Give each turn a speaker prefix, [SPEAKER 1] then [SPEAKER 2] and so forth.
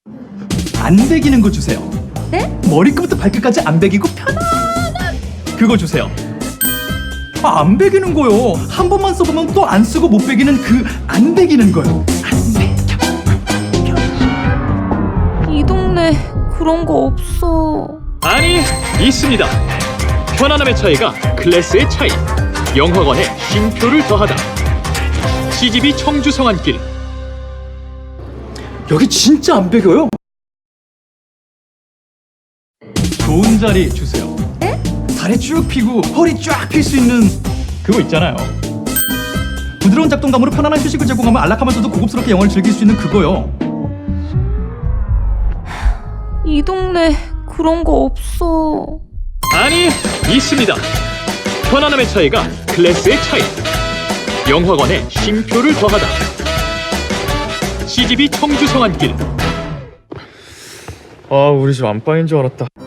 [SPEAKER 1] 안 베기는 거 주세요.
[SPEAKER 2] 네?
[SPEAKER 1] 머리끝부터 발끝까지 안 베기고 편안한 그거 주세요. 안 베기는 거요. 한 번만 써보면 또 안 쓰고 못 베기는 그 안 베기는 거요. 안 베겨.
[SPEAKER 2] 이 동네 그런 거 없어.
[SPEAKER 3] 아니, 있습니다. 편안함의 차이가 클래스의 차이. 영화관에 쉼표를 더하다. CGV 청주 성안길.
[SPEAKER 1] 여기 진짜 안 베겨요. 좋은 자리 주세요.
[SPEAKER 2] 네?
[SPEAKER 1] 다리 쭉 펴고 허리 쫙 펼 수 있는 그거 있잖아요. 부드러운 작동감으로 편안한 휴식을 제공하며 안락하면서도 고급스럽게 영화를 즐길 수 있는 그거요.
[SPEAKER 2] 이 동네 그런 거 없어.
[SPEAKER 3] 아니, 있습니다. 편안함의 차이가 클래스의 차이. 영화관에 쉼표를 더하다. CGV 청주 성안길.
[SPEAKER 4] 아, 우리 집 안방인 줄 알았다.